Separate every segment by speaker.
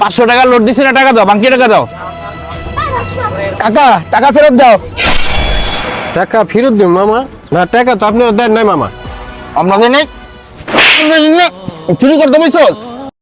Speaker 1: 500 টাকা লোড দিছি না, টাকা দাও, বাকি টাকা দাও।
Speaker 2: কাকা টাকা ফেরত দাও।
Speaker 3: টাকা ফেরত দিন মামা। না টাকা তো আপনি দেন নাই মামা।
Speaker 1: আপনাদের নেই, চুরি করতে বলছোস?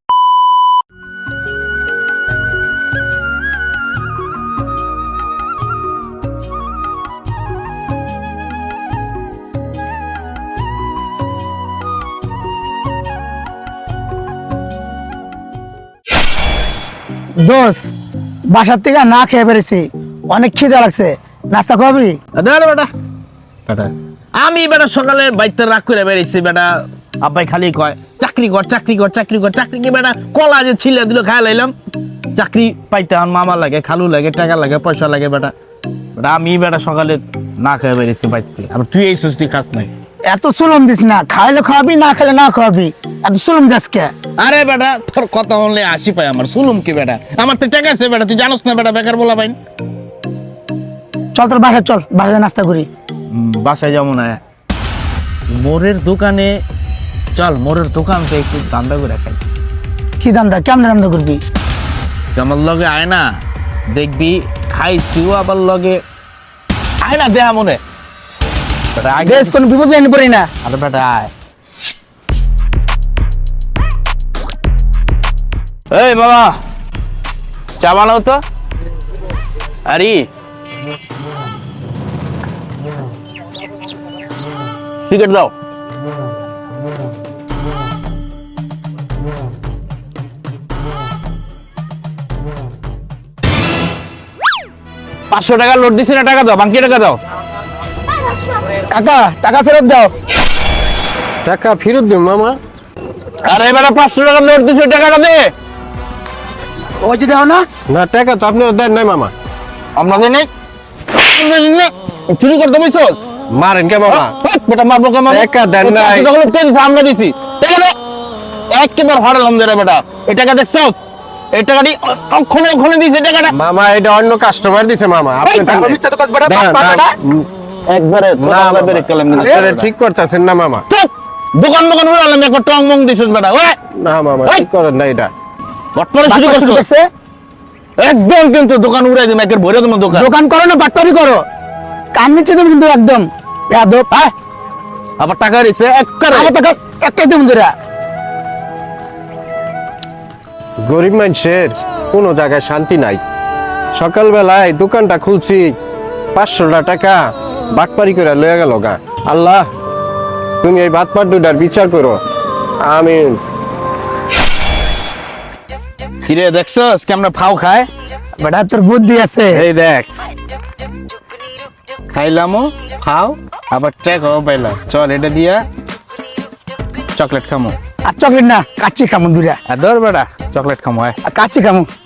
Speaker 2: দোষ বাসার থেকে না খেয়ে পেরেছি, অনেক খিদে লাগছে, নাস্তা খাবি?
Speaker 1: বেটা আমি বেটা সকালে বাইতে রাগ করে বেরিয়েছি বেটা। আব্বাই খালি কয় চাকরি কর চাকরি কর চাকরি কর, চাকরি কি বেটা কলা যে ছিলে দিল খায় লাইলাম। চাকরি পাইতে আমার মামা লাগে, খালু লাগে, টাকা লাগে, পয়সা লাগে বেটা। বেটা আমি বেটা সকালে না খেয়ে বেরিয়েছি বাইতে। আবার তুই এই সুস্থি খাস নাই।
Speaker 2: এত সুলম দিস না, খাইলে খাওয়াবি, না খেলে না খাওয়াবি, এত সুলম দিস কে?
Speaker 1: আরে বেটা তোর কথা বললে হাসি পায় আমার, শুনুম কি বেটা, আমার তো টাকা আছে বেটা, তুই জানোস না বেটা, বেকার বলা পাইন।
Speaker 2: চল তোর বাসায় চল, বাসায় নাস্তা করি।
Speaker 1: বাসায় যাবো না, মোরের দোকানে চল, মোরের দোকান থেকে একটু দান্দা করে খাই।
Speaker 2: কি দান্দা, কেমনে দান্দা করবি?
Speaker 1: আমার লগে আয় না, দেখবি খাইছিও, আবার লগে আয় না, দেয়া মনে বেটা, আগে
Speaker 2: বেশ কোনো বিপদ জানি পড়ি না।
Speaker 1: আরে বেটা আয়। এই বাবা চা বানাও তো। আরে টিকিট দাও। পাঁচশো টাকা লোড দিছি না, টাকা দাও, বাকি টাকা দাও।
Speaker 2: কাকা টাকা ফেরত দাও।
Speaker 3: টাকা ফেরত দিন মামা।
Speaker 1: আরে এবারে 500 টাকা লোড দিছি, টাকাটা দে।
Speaker 2: ওই যে দাও না।
Speaker 3: না টাকা তো আপনি দেন নাই মামা।
Speaker 1: আপনাদের নেই, চুরি করতে বলছোস?
Speaker 3: মারেন কে মামা?
Speaker 1: বেটা মারবো কে মারবো?
Speaker 3: টাকা দেন নাই।
Speaker 1: আমরা দিছি টাকা দে। একবার হারালাম রে বেটা, এই টাকা দেখছো? এই টাকাটি ওখানে ওখানে দিছে টাকাটা।
Speaker 3: মামা এটা অন্য কাস্টমার দিছে মামা। আপনি দেন নাই।
Speaker 1: একবারে
Speaker 3: আপনারা ঠিক করতেছেন না মামা।
Speaker 1: দোকান দোকান উড়ালাম, একবার টং মং দিছিস বেটা। ওই
Speaker 3: না মামা ঠিক করেন না এটা।
Speaker 1: বটপরে শুরু করছে একদম, কিন্তু দোকান উড়াই দিম, একের ভরে তোমার দোকান।
Speaker 2: দোকান করো না বাটপারি করো, কান নিচ্ছে তুমি কিন্তু একদম যাদব।
Speaker 1: হ্যাঁ আবার টাকা দিছে একবারে।
Speaker 2: আমার টাকা একটাই দিন ধরে।
Speaker 3: গরিব মানুষের কোনো জায়গায় শান্তি নাই। সকালবেলায় দোকানটা খুলছি, 500 টাকা বাটপারি করে লয়ে গেল গা। আল্লাহ তুমি এই বাটপার দুটার বিচার করো, আমিন।
Speaker 1: কিরে দেখছস কেমন ফাও খায়?
Speaker 2: বেটা তোর বুদ্ধি আছে।
Speaker 1: এই দেখ খাইলামও খাও, আবার ট্যাকও পাইলাম। চল এটা দিয়া চকলেট খামো।
Speaker 2: আর চকলেট না, কাচ্চি খামো দুরা।
Speaker 1: আর ধর বেটা চকলেট খামো।
Speaker 2: আর কাচ্চি খামো।